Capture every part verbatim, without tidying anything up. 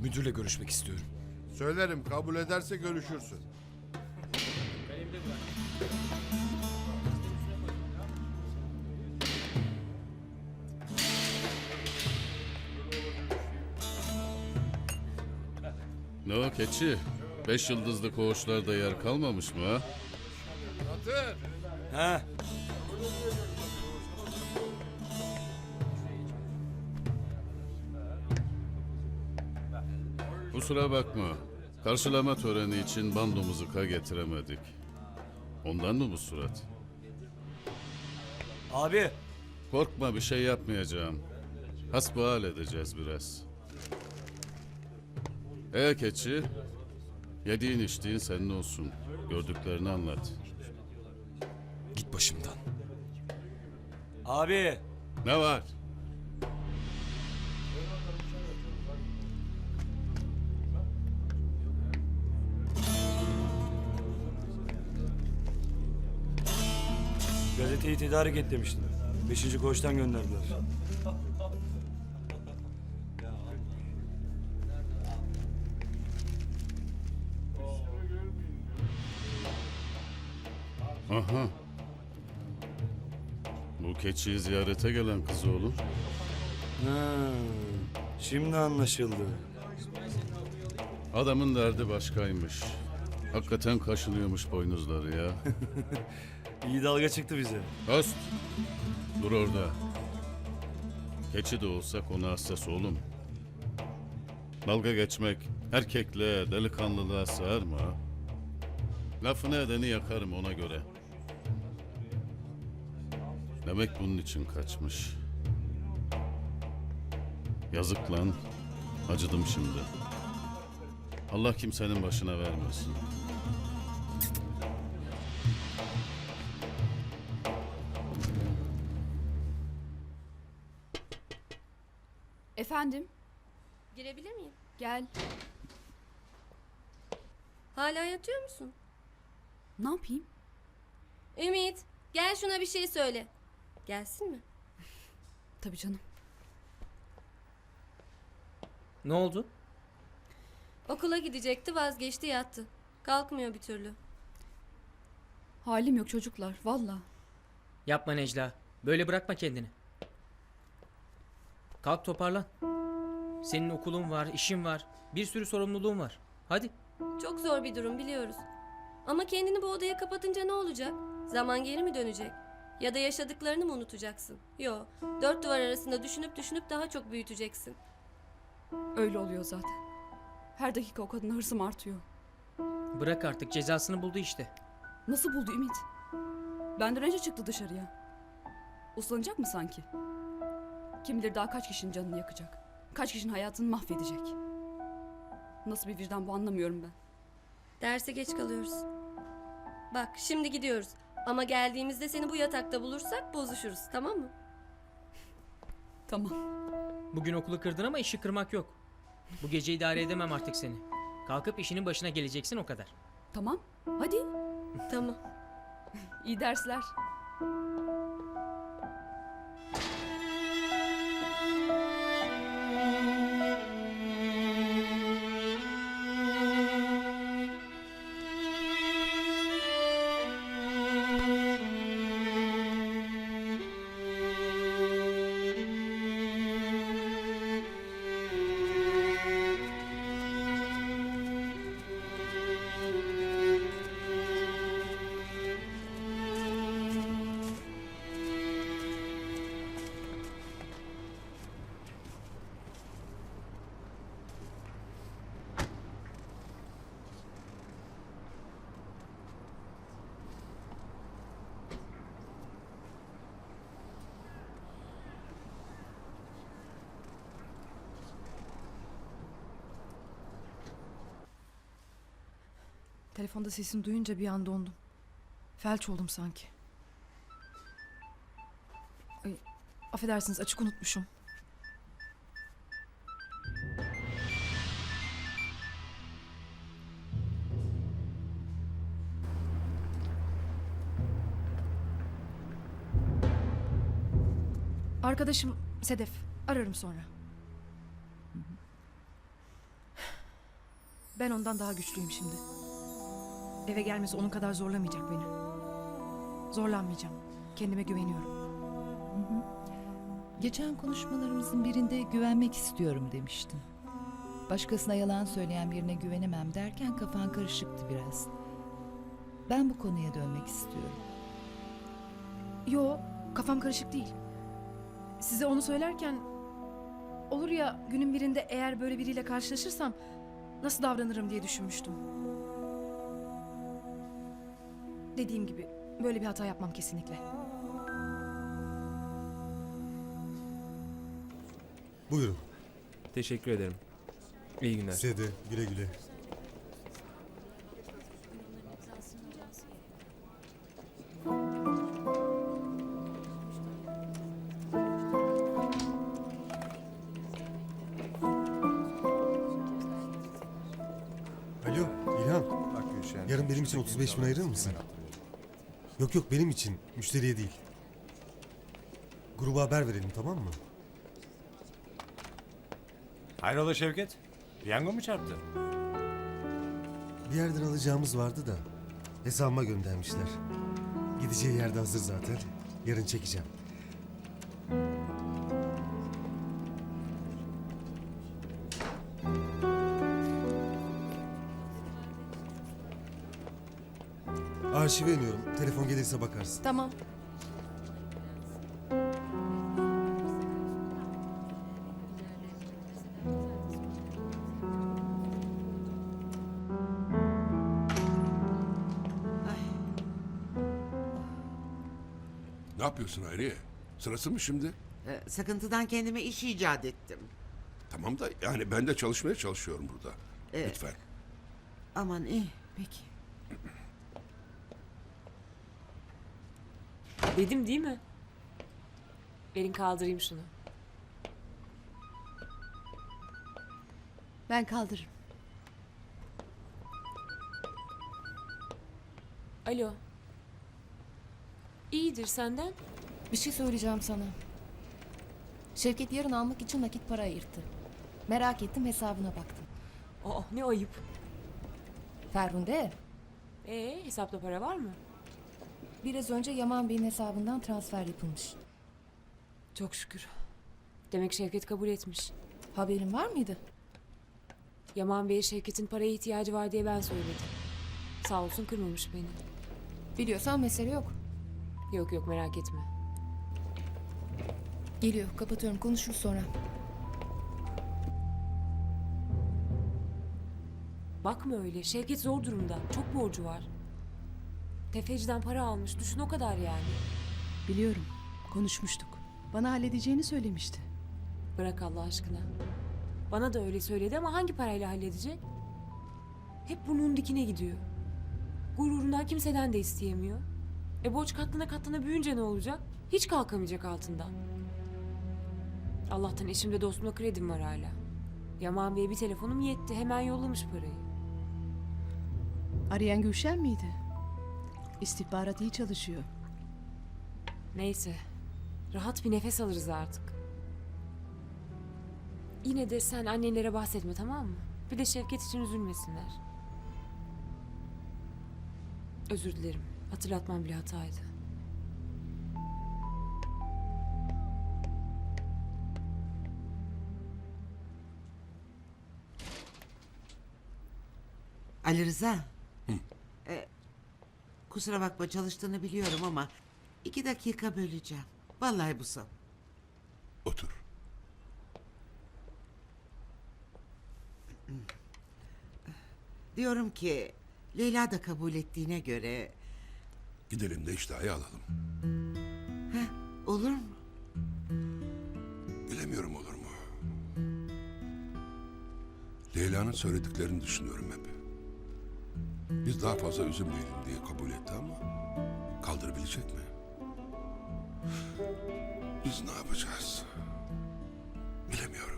Müdürle görüşmek istiyorum. Söylerim, kabul ederse görüşürsün. Ne o keçi? Beş yıldızlı koğuşlarda yer kalmamış mı ha? Batır! Ha? Kusura bakma. Karşılama töreni için bandomuzu ka getiremedik. Ondan mı bu surat? Abi. Korkma, bir şey yapmayacağım. Hasbihal edeceğiz biraz. Ee keçi, yediğin içtiğin senin olsun. Gördüklerini anlat. Git başımdan. Abi. Ne var? Gazeteyi tedarik et demiştin. Beşinci koğuştan gönderdiler. Aha. Bu keçiyi ziyarete gelen kız oğlum. Ha, şimdi anlaşıldı. Adamın derdi başkaymış. Hakikaten kaşınıyormuş boynuzları ya. İyi dalga çıktı bize. Öst! Dur orada. Keçi de olsa konu hassas oğlum. Dalga geçmek erkekliğe, delikanlılığa sığar mı ha? Lafını edeni yakarım ona göre. Demek bunun için kaçmış. Yazık lan. Acıdım şimdi. Allah kimsenin başına vermesin. Efendim, Girebilir miyim? gel. Hala yatıyor musun? Ne yapayım? Ümit, gel şuna bir şey söyle. Gelsin mi? Tabii canım. Ne oldu? Okula gidecekti, vazgeçti, yattı. Kalkmıyor bir türlü. Halim yok çocuklar, valla. Yapma Necla. Böyle bırakma kendini. Kalk toparlan. Senin okulun var, işin var. Bir sürü sorumluluğun var. Hadi. Çok zor bir durum biliyoruz. Ama kendini bu odaya kapatınca ne olacak? Zaman geri mi dönecek? Ya da yaşadıklarını mı unutacaksın? Yo, dört duvar arasında düşünüp düşünüp daha çok büyüteceksin. Öyle oluyor zaten. Her dakika o kadına hırsım artıyor. Bırak artık, cezasını buldu işte. Nasıl buldu Ümit? Benden önce çıktı dışarıya. Uslanacak mı sanki? Kim bilir daha kaç kişinin canını yakacak. Kaç kişinin hayatını mahvedecek. Nasıl bir vicdan bu, anlamıyorum ben. Derse geç kalıyoruz. Bak, şimdi gidiyoruz. Ama geldiğimizde seni bu yatakta bulursak bozuşuruz, tamam mı? Tamam. Bugün okulu kırdın ama işi kırmak yok. Bu gece idare edemem artık seni. Kalkıp işinin başına geleceksin, o kadar. Tamam. Hadi. Tamam. İyi dersler. Telefonda sesini duyunca bir an dondum. Felç oldum sanki. Ay, affedersiniz, açık unutmuşum. Arkadaşım Sedef. Ararım sonra. Ben ondan daha güçlüyüm şimdi. Eve gelmesi onun kadar zorlamayacak beni. Zorlanmayacağım. Kendime güveniyorum. Geçen konuşmalarımızın birinde güvenmek istiyorum demiştin. Başkasına yalan söyleyen birine güvenemem derken kafan karışıktı biraz. Ben bu konuya dönmek istiyorum. Yo, kafam karışık değil. Size onu söylerken olur ya günün birinde eğer böyle biriyle karşılaşırsam nasıl davranırım diye düşünmüştüm. Dediğim gibi böyle bir hata yapmam kesinlikle. Buyurun. Teşekkür ederim. İyi günler. Size de güle güle. Alo İlhan. Bak Gülşen. Yarın benim için otuz beş bin ayırır mısın? Yok yok benim için. Müşteriye değil. Gruba haber verelim tamam mı? Hayrola Şevket? Piyango mu çarptı? Bir yerden alacağımız vardı da hesabıma göndermişler. Gideceği yerde hazır zaten. Yarın çekeceğim. Arşive iniyorum. Telefon gelirse bakarsın. Tamam. Ne yapıyorsun Hayriye? Sırası mı şimdi? Ee, Sıkıntıdan kendime iş icat ettim. Tamam da yani ben de çalışmaya çalışıyorum burada. Evet. Lütfen. Aman iyi, peki. Dedim değil mi? Verin kaldırayım şunu. Ben kaldırırım. Alo. İyidir senden. Bir şey söyleyeceğim sana. Şevket yarın almak için nakit para ayırttı. Merak ettim hesabına baktım. Aa ne ayıp. Ferhunde, Ee hesapta para var mı? biraz önce Yaman Bey'in hesabından transfer yapılmış. Çok şükür. Demek Şevket kabul etmiş. Haberin var mıydı? Yaman Bey'e Şevket'in paraya ihtiyacı var diye ben söyledim. Sağ olsun kırmamış beni. Biliyorsan mesele yok. Yok yok merak etme. Geliyor, kapatıyorum. Konuşuruz sonra. Bakma öyle. Şevket zor durumda. Çok borcu var. Tefeciden para almış. Düşün o kadar yani. Biliyorum. Konuşmuştuk. Bana halledeceğini söylemişti. Bırak Allah aşkına. Bana da öyle söyledi ama hangi parayla halledecek? Hep burnunun dikine gidiyor. Gururundan kimseden de isteyemiyor. E borç katlana katlana büyüyünce ne olacak? Hiç kalkamayacak altından. Allah'tan eşimde dostumda kredim var hala. Yaman Bey'e bir telefonum yetti. Hemen yollamış parayı. Arayan Gülşen miydi? İstihbarat iyi çalışıyor. Neyse. Rahat bir nefes alırız artık. Yine de sen annenlere bahsetme tamam mı? Bir de Şevket için üzülmesinler. Özür dilerim. Hatırlatmam bile hataydı. Ali Rıza. Ee, kusura bakma çalıştığını biliyorum ama iki dakika böleceğim. Vallahi bu son. Otur. Diyorum ki Leyla da kabul ettiğine göre Gidelim de iştahı alalım. olur mu? Bilemiyorum olur mu? Leyla'nın söylediklerini düşünüyorum hep. Biz daha fazla üzülmeyelim diye kabul etti ama kaldırabilecek mi? Biz ne yapacağız? Bilemiyorum.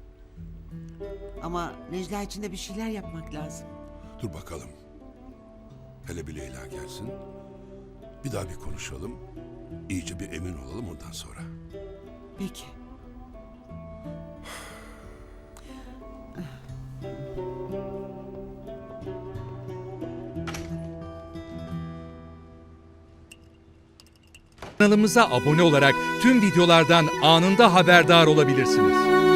Ama Necla için de bir şeyler yapmak lazım. Dur bakalım. Hele bir Leyla gelsin. Bir daha bir konuşalım. İyice bir emin olalım ondan sonra. Peki. Kanalımıza abone olarak tüm videolardan anında haberdar olabilirsiniz.